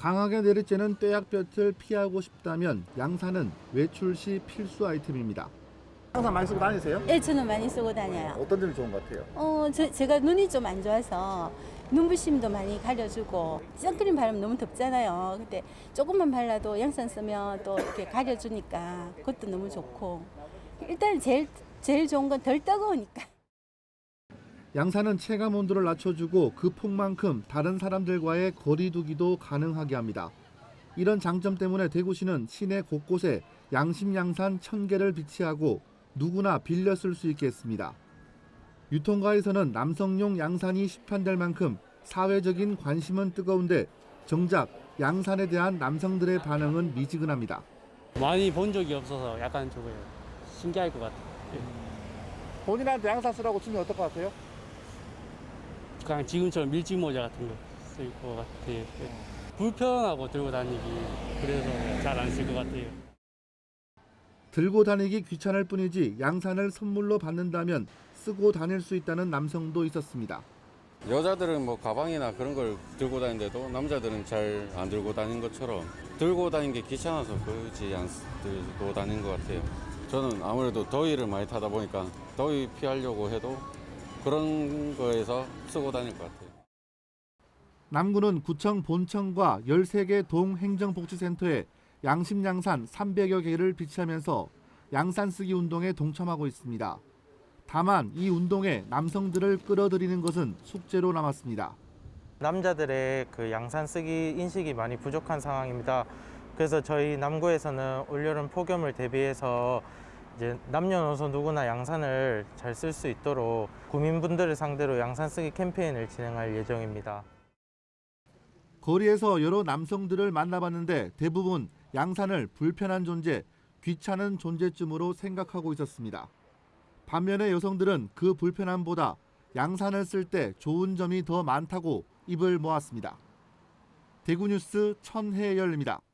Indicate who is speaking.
Speaker 1: 강하게 내리쬐는 떼약볕을 피하고 싶다면 양산은 외출 시 필수 아이템입니다. 항상 많이 쓰고 다니세요?
Speaker 2: 예, 저는 많이 쓰고 다녀요.
Speaker 1: 어떤 점이 좋은 것 같아요?
Speaker 2: 제가 눈이 좀 안 좋아서 눈부심도 많이 가려주고 선크림 바르면 너무 덥잖아요. 근데 조금만 발라도 양산 쓰면 또 이렇게 가려주니까 그것도 너무 좋고 일단 제일 좋은 건 덜 따가우니까.
Speaker 1: 양산은 체감 온도를 낮춰주고 그 폭만큼 다른 사람들과의 거리 두기도 가능하게 합니다. 이런 장점 때문에 대구시는 시내 곳곳에 양심양산 1000개를 비치하고 누구나 빌려 쓸 수 있게 했습니다. 유통가에서는 남성용 양산이 시판될 만큼 사회적인 관심은 뜨거운데 정작 양산에 대한 남성들의 반응은 미지근합니다.
Speaker 3: 많이 본 적이 없어서 약간 좀 신기할 것 같아요.
Speaker 1: 본인한테 양산 쓰라고 주면 어떨 것 같아요?
Speaker 3: 그냥 지금처럼 밀짚 모자 같은 거 쓸 것 같아요. 불편하고 들고 다니기 그래서 잘 안 쓸 것 같아요.
Speaker 1: 들고 다니기 귀찮을 뿐이지 양산을 선물로 받는다면 쓰고 다닐 수 있다는 남성도 있었습니다.
Speaker 4: 여자들은 뭐 가방이나 그런 걸 들고 다니는데도 남자들은 잘 안 들고 다니는 것처럼 들고 다니는 게 귀찮아서 굳이 안 들고 다니는 것 같아요. 저는 아무래도 더위를 많이 타다 보니까 더위 피하려고 해도 그런 거에서 쓰고 다닐 것 같아요.
Speaker 1: 남구는 구청 본청과 13개 동행정복지센터에 양심양산 300여 개를 비치하면서 양산 쓰기 운동에 동참하고 있습니다. 다만 이 운동에 남성들을 끌어들이는 것은 숙제로 남았습니다.
Speaker 5: 남자들의 그 양산 쓰기 인식이 많이 부족한 상황입니다. 그래서 저희 남구에서는 올여름 폭염을 대비해서 이제 남녀노소 누구나 양산을 잘 쓸 수 있도록 구민분들을 상대로 양산 쓰기 캠페인을 진행할 예정입니다.
Speaker 1: 거리에서 여러 남성들을 만나봤는데 대부분 양산을 불편한 존재, 귀찮은 존재쯤으로 생각하고 있었습니다. 반면에 여성들은 그 불편함보다 양산을 쓸 때 좋은 점이 더 많다고 입을 모았습니다. 대구뉴스 천혜열입니다.